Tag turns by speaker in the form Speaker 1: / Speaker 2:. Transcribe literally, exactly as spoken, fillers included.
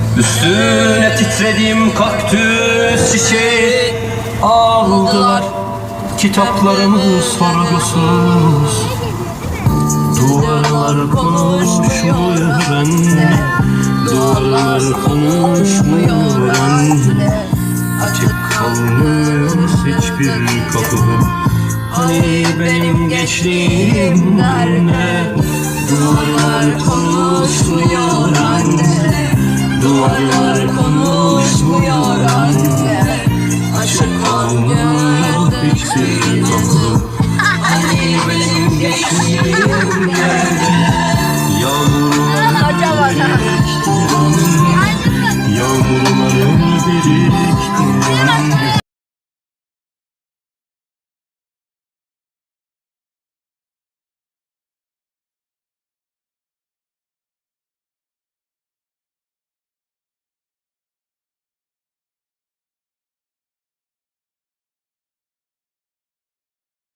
Speaker 1: Üstüne titredim kaktüs çiçeği aldılar. Kitaplarımı sorgusuz. Duvarlar konuşmuyor anne, duvarlar konuşmuyor anne. Açık kalmış hiçbir kapı. Hani benim gençliğim nerede? Duvarlar konuşmuyor anne, duvarlar konuşmuyor anne. Açık kalmış hiçbir kapı. Hani benim gençliğim nerede? Yağmurlarım birikti, yağmurlarım birikti.